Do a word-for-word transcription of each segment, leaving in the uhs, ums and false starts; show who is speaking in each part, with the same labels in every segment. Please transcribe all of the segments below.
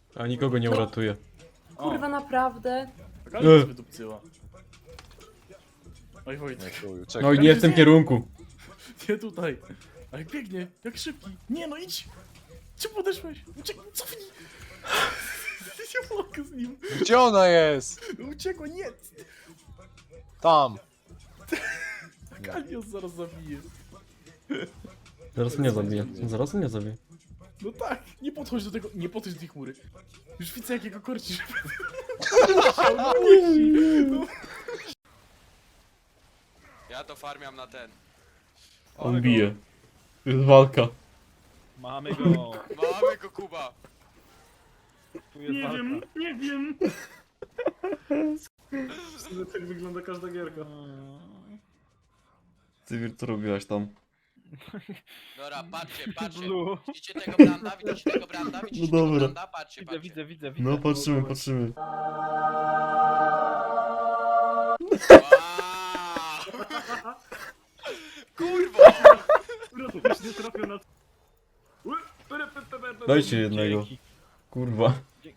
Speaker 1: A nikogo nie uratuje.
Speaker 2: Kurwa, naprawdę?
Speaker 3: Ale nas wydupcyła. Oj Wojtek,
Speaker 1: No i nie w tym kierunku.
Speaker 3: nie tutaj. A jak biegnie, jak szybki. Nie no idź! Czemu podeszłeś? Uciekł, cofnij! Nie mogę z nim.
Speaker 4: Gdzie ona jest?
Speaker 3: Uciekła, nie!
Speaker 4: Tam.
Speaker 3: Kalios zaraz zabije.
Speaker 1: Zaraz mnie zabije. Zaraz mnie zabije.
Speaker 3: No tak, nie podchodź do tego, nie podchodź do tej chmury. Już widzę jakiego korci, żeby... No,
Speaker 5: Ja to farmiam na ten.
Speaker 1: On bije. To jest walka.
Speaker 6: Mamy go.
Speaker 5: Mamy go, Kuba.
Speaker 6: Tu jest
Speaker 3: nie
Speaker 6: walka.
Speaker 3: wiem, nie wiem. Tak wygląda każda gierka.
Speaker 1: Cywil, co robiłaś tam?
Speaker 5: Dobra, patrzcie, patrzcie.
Speaker 6: Blue.
Speaker 5: Widzicie tego branda? Widzicie tego branda? Widzicie
Speaker 1: No
Speaker 5: tego
Speaker 1: dobra.
Speaker 5: branda? Patrzcie,
Speaker 6: Widzę,
Speaker 5: patrzcie.
Speaker 6: widzę, widzę, widzę.
Speaker 1: No patrzymy, patrzymy.
Speaker 5: Wow. Kurwa!
Speaker 3: Już nie trafię na...
Speaker 1: Dajcie jednego.
Speaker 6: Dzięki.
Speaker 1: Kurwa.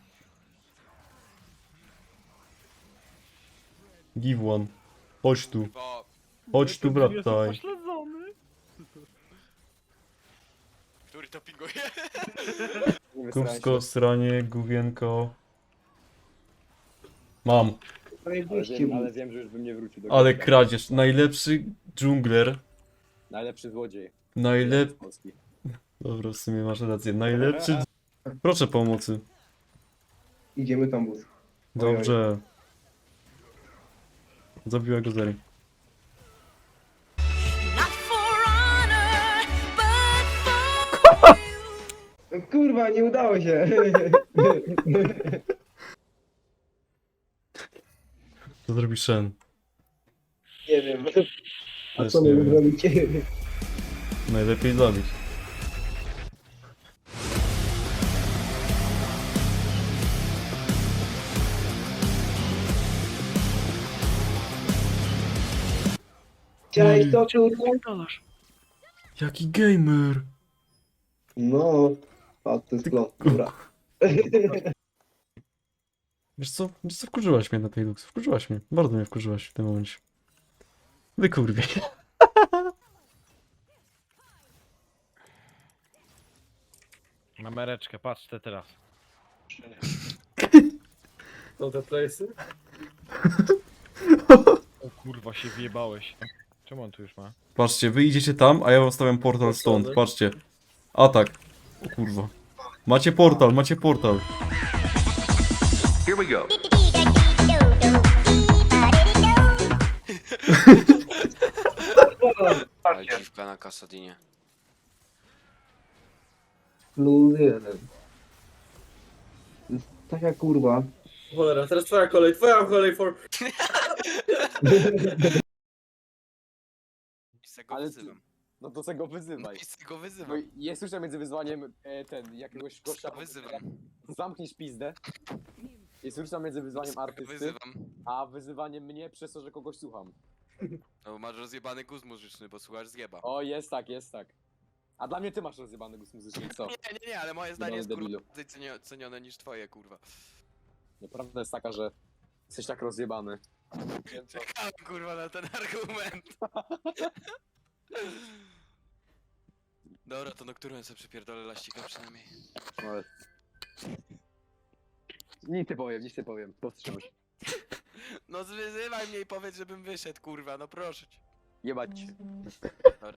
Speaker 1: Give one. Chodź tu.
Speaker 5: Bo
Speaker 1: Chodź tu,
Speaker 6: Jestem
Speaker 1: brataj.
Speaker 6: pośledzony.
Speaker 5: który to pinguje?
Speaker 1: Kubsko, sranie, gówienko. Mam.
Speaker 7: Ale wiem, ale wiem, że już bym nie wrócił do
Speaker 1: Ale
Speaker 7: Gdańska.
Speaker 1: kradzież. Najlepszy dżungler.
Speaker 7: Najlepszy złodziej.
Speaker 1: Najlep...
Speaker 7: Polski.
Speaker 1: Dobra, w sumie masz rację. Najlepszy... Proszę pomocy.
Speaker 7: Idziemy tam bus.
Speaker 1: Dobrze. Zabiła go Zeri.
Speaker 7: Kurwa, nie udało się.
Speaker 1: Co zrobi Shen?
Speaker 7: Nie wiem. A
Speaker 1: Też
Speaker 7: co
Speaker 1: nie
Speaker 7: my
Speaker 1: wiem.
Speaker 7: zrobić?
Speaker 1: Najlepiej zabić.
Speaker 7: Chciałeś to, kurwa?
Speaker 1: Jaki gamer!
Speaker 7: No. Patrz, to jest klon. Dobra.
Speaker 1: Wiesz co? Wiesz co? Wkurzyłaś mnie na tej Lux. Wkurzyłaś mnie. Bardzo mnie wkurzyłaś w tym momencie. Wy kurwie.
Speaker 6: Mamy reczkę, patrz te teraz.
Speaker 7: To te playsy?
Speaker 6: O kurwa, się wjebałeś. Czemu on tu już ma?
Speaker 1: Patrzcie, wy idziecie tam, a ja wam stawiam portal stąd. Patrzcie. Atak. O kurwa. Macie portal, macie portal.
Speaker 5: Ale dziwka na Kasadinie.
Speaker 7: Plus jeden. To jest taka kurwa.
Speaker 8: Cholera, teraz twoja kolej, twoja kolej for...
Speaker 5: I go
Speaker 9: Ale
Speaker 5: wyzywam.
Speaker 9: No to se go wyzywaj.
Speaker 5: I go
Speaker 9: Bo
Speaker 5: wyzywam.
Speaker 9: jest różnica między wyzwaniem e, ten, jakiegoś gościa...
Speaker 5: Wyzywam.
Speaker 9: Zamknij pizdę. Jest różnica między wyzwaniem artysty,
Speaker 5: Wyzywam.
Speaker 9: a wyzywaniem mnie przez to, że kogoś słucham.
Speaker 5: No bo masz rozjebany guz muzyczny, bo słuchasz zjeba.
Speaker 9: O, jest tak, jest tak. A dla mnie ty masz rozjebany gust muzyczny, co?
Speaker 5: Nie, nie, nie, ale moje zdanie jest
Speaker 9: Jebany
Speaker 5: kurwa
Speaker 9: debilu.
Speaker 5: bardziej cenio- cenione niż twoje, kurwa.
Speaker 9: Prawda jest taka, że jesteś tak rozjebany.
Speaker 5: Czekałem kurwa na ten argument. Dobra, to Nocturne sobie przypierdolę laścika przynajmniej.
Speaker 9: Ale... Nic nie powiem, nic nie powiem. Powstrzymaj się.
Speaker 5: No zwyzywaj mnie i powiedz, żebym wyszedł, kurwa, no proszę cię.
Speaker 9: Jebać cię.
Speaker 5: Dobra.